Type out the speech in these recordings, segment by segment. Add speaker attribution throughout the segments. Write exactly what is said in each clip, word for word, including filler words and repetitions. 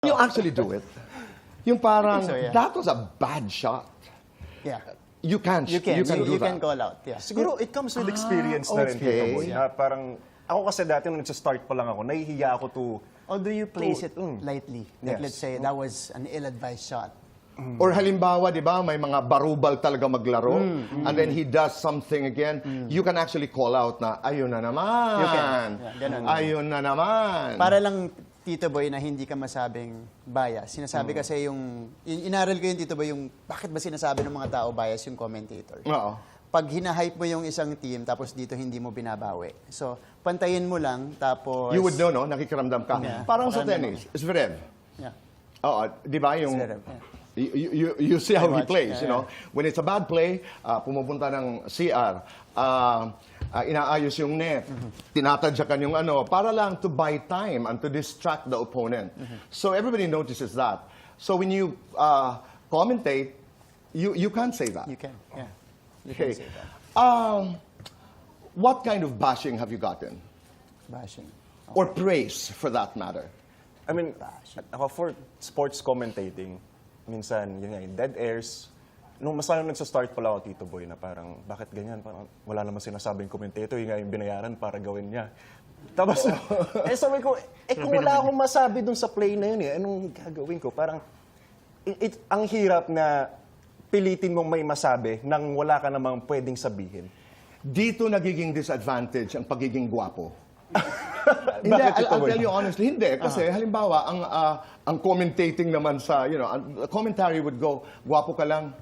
Speaker 1: You actually do it. Yung parang,
Speaker 2: so, yeah.
Speaker 1: that was a bad shot.
Speaker 2: Yeah.
Speaker 1: You can,
Speaker 2: You can.
Speaker 1: you can
Speaker 2: you,
Speaker 1: do
Speaker 2: you
Speaker 1: that.
Speaker 2: can call out. Yeah.
Speaker 3: Siguro it comes with experience na rin,
Speaker 1: okay.
Speaker 3: Tito Boy. Na parang, ako kasi dati nung nagsa-start pa lang ako, nahihiya ako to...
Speaker 2: Although you place it
Speaker 3: Mm.
Speaker 2: lightly. Like
Speaker 3: Yes.
Speaker 2: let's say that was an ill-advised shot.
Speaker 1: Or halimbawa, di ba, may mga barubal talaga maglaro,
Speaker 2: Mm,
Speaker 1: and then he does something again, you can actually call out na, ayun na naman.
Speaker 2: You can. Yeah, ganun.
Speaker 1: Ayun na naman.
Speaker 2: Para lang, Tito Boy, na hindi ka masabing bias. Sinasabi kasi yung, in- inaral ko yung Tito Boy, yung bakit ba sinasabi ng mga tao bias yung commentator.
Speaker 1: Oo.
Speaker 2: Pag hinahype mo yung isang team, tapos dito hindi mo binabawi. So, pantayin mo lang, tapos...
Speaker 1: You would know, no? Nakikiramdam ka.
Speaker 2: Yeah.
Speaker 1: Parang sa
Speaker 2: Pakiramdam
Speaker 1: tennis, Zverev.
Speaker 2: Yeah.
Speaker 1: Oo, di ba yung...
Speaker 2: Zverev, yeah.
Speaker 1: You, you, you see how
Speaker 2: I
Speaker 1: he
Speaker 2: watch,
Speaker 1: plays,
Speaker 2: yeah,
Speaker 1: you know? When it's a bad play, uh, pumupunta ng C R, uh, uh, inaayos yung net, tinatadyakan yung ano, para lang to buy time and to distract the opponent. So everybody notices that. So when you uh, commentate, you, you can't say that.
Speaker 2: You can, yeah. You
Speaker 1: Okay.
Speaker 2: can say that.
Speaker 1: Um, what kind of bashing have you gotten?
Speaker 2: Bashing.
Speaker 1: Or praise, for that matter?
Speaker 3: I mean, ako for sports commentating, minsan, yun nga, yung dead airs. Nung mas lalo nagsa-start pala ako, Tito Boy, na parang, bakit ganyan? Parang, wala naman sinasabing commentator, yung nga yung binayaran para gawin niya. Tapos, eh sabi ko, eh kung wala akong masabi dun sa play na yun, eh, anong gagawin ko? Parang, it, it, ang hirap na pilitin mong may masabi nang wala ka namang pwedeng sabihin.
Speaker 1: Dito nagiging disadvantage ang pagiging gwapo. Hindi,
Speaker 3: Bakit
Speaker 1: I'll,
Speaker 3: ito,
Speaker 1: I'll
Speaker 3: boy?
Speaker 1: tell you honestly, hindi. Kasi halimbawa, ang ah, ang commentating naman sa, you know, ang commentary would go, gwapo ka lang.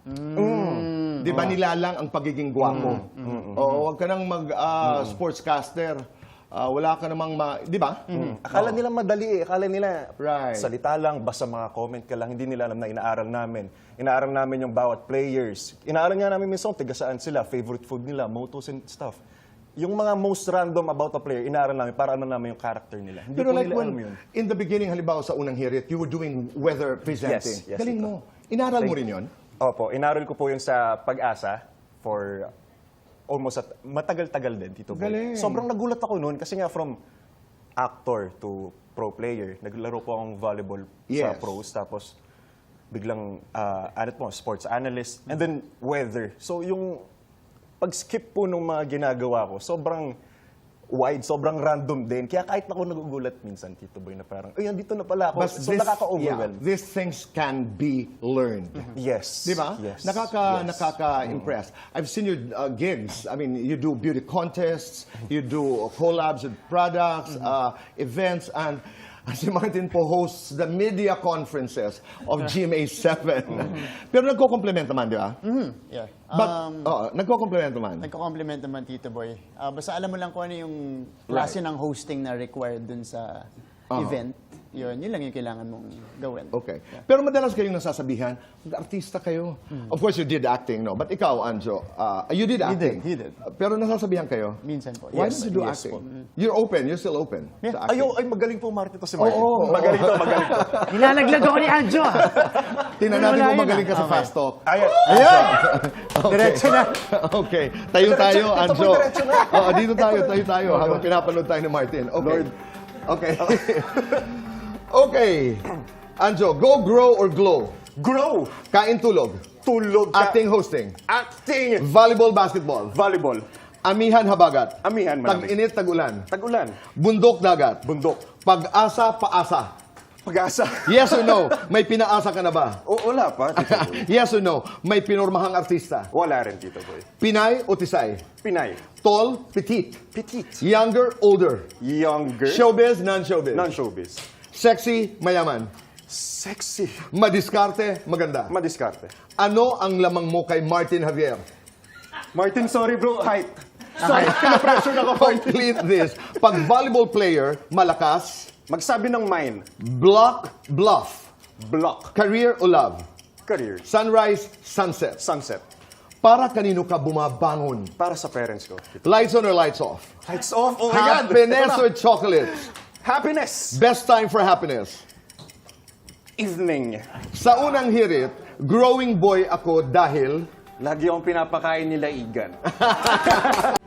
Speaker 1: Mm. Di ba nilalang ang pagiging gwapo? Oo, wag ka nang mag ah, sportscaster. Ah, wala ka namang ma... Di ba?
Speaker 3: Akala nila madali eh. Akala nila
Speaker 1: Right.
Speaker 3: salita lang, basta mga comment ka lang. Hindi nila alam na inaaral namin. Inaaral namin yung bawat players. Inaaral nga namin minsan tiga saan sila, favorite food nila, mottos and stuff. Yung mga most random about a player, inaaral namin para ano namin yung character nila. Hindi
Speaker 1: Pero
Speaker 3: po
Speaker 1: like
Speaker 3: nila alam
Speaker 1: when,
Speaker 3: yun.
Speaker 1: in the beginning, halimbawa sa unang hirit, you were doing weather presenting.
Speaker 3: Yes, yes,
Speaker 1: Galing
Speaker 3: ito.
Speaker 1: mo. Inaral mo
Speaker 3: Thank-
Speaker 1: rin yun?
Speaker 3: Opo, inaral ko po yun sa Pag-asa for almost at matagal-tagal din, Tito Boy.
Speaker 1: Galing.
Speaker 3: Sobrang nagulat ako noon kasi nga from actor to pro player, naglaro po akong volleyball sa
Speaker 1: Yes.
Speaker 3: pros, tapos biglang, uh, ano po, sports analyst, and then weather. So yung pag-skip po nung mga ginagawa ko, sobrang wide, sobrang random din. Kaya kahit ako nagugulat minsan, Tito Boy, na parang, ay, andito na pala ako.
Speaker 1: But
Speaker 3: so nakaka-overwhelm.
Speaker 1: yeah, these things can be learned.
Speaker 3: Yes.
Speaker 1: Di ba?
Speaker 3: Yes.
Speaker 1: Nakaka,
Speaker 3: Yes.
Speaker 1: nakaka-impress. I've seen your uh, gigs. I mean, you do beauty contests, you do collabs with products, uh, events, and si Martin po hosts the media conferences of G M A seven. Pero nagko-compliment naman, di ba?
Speaker 2: Yeah.
Speaker 1: But,
Speaker 2: Um,
Speaker 1: oo, nagko-compliment naman.
Speaker 2: Nagko-compliment naman, Tito Boy. Ah, basta alam mo lang kung ano yung klase ng hosting na required dun sa event. Yun, yun lang yung kailangan mong gawin.
Speaker 1: Okay. Pero madalas kayong nasasabihan, artista kayo. Of course, you did acting, no? But ikaw, Anjo, uh, you did acting.
Speaker 2: he did.
Speaker 1: Uh, Pero nasasabihan kayo,
Speaker 2: Minsan po.
Speaker 1: why
Speaker 3: Yes,
Speaker 1: did you do
Speaker 3: yes
Speaker 1: acting?
Speaker 3: po.
Speaker 1: You're open, you're still open sa acting.
Speaker 3: Ayo, ay magaling po Martin to si Martin.
Speaker 1: Oo, oo,
Speaker 3: magaling to, magaling to.
Speaker 4: Nilalaglag ako ni Anjo, ah.
Speaker 1: Tingnan natin
Speaker 4: Wala
Speaker 1: kung
Speaker 4: yun,
Speaker 1: magaling ka sa
Speaker 2: Okay.
Speaker 1: fast talk.
Speaker 3: Ayan.
Speaker 1: Ayan!
Speaker 2: Diretso na.
Speaker 1: Okay. Tayo tayo,
Speaker 3: Diretso,
Speaker 1: Anjo.
Speaker 3: ito po, diretso na.
Speaker 1: Oo, dito tayo, tayo tayo. Habang pinapanood tayo ni Martin. Okay. Okay. Okay. Anjo, go, grow, or glow?
Speaker 3: Grow.
Speaker 1: Kain, tulog.
Speaker 3: Tulog ka.
Speaker 1: Acting, hosting.
Speaker 3: Acting.
Speaker 1: Volleyball, basketball.
Speaker 3: Volleyball.
Speaker 1: Amihan, habagat.
Speaker 3: Amihan, malamig.
Speaker 1: Tag-init, tag-ulan.
Speaker 3: Tagulan.
Speaker 1: Bundok, dagat.
Speaker 3: Bundok.
Speaker 1: Pag-asa, paasa.
Speaker 3: Pag-asa.
Speaker 1: Yes or no? May pinaasa ka na ba?
Speaker 3: O, wala pa, Tito Boy.
Speaker 1: Yes or no? May pinormahang artista.
Speaker 3: Wala rin, Tito Boy.
Speaker 1: Pinay o tisay?
Speaker 3: Pinay.
Speaker 1: Tall, petite.
Speaker 3: Petite.
Speaker 1: Younger, older.
Speaker 3: Younger.
Speaker 1: Showbiz, non-showbiz.
Speaker 3: Non-showbiz.
Speaker 1: Sexy, mayaman.
Speaker 3: Sexy.
Speaker 1: Madiskarte, maganda.
Speaker 3: Madiskarte.
Speaker 1: Ano ang lamang mo kay Martin Javier?
Speaker 3: Martin, sorry bro. Height. Sorry, pina-pressure na ko.
Speaker 1: Complete this. Pag volleyball player, malakas.
Speaker 3: Magsabi ng mine.
Speaker 1: Block, bluff.
Speaker 3: Block.
Speaker 1: Career o love?
Speaker 3: Career.
Speaker 1: Sunrise, sunset.
Speaker 3: Sunset.
Speaker 1: Para kanino ka bumabangon?
Speaker 3: Para sa parents ko.
Speaker 1: Lights on or lights off?
Speaker 3: Lights off. Oh my God.
Speaker 1: Happiness
Speaker 3: Ito
Speaker 1: or
Speaker 3: na.
Speaker 1: chocolates?
Speaker 3: Happiness.
Speaker 1: Best time for happiness?
Speaker 3: Evening.
Speaker 1: Sa unang hirit, growing boy ako dahil...
Speaker 3: Lagi akong pinapakain nila igan.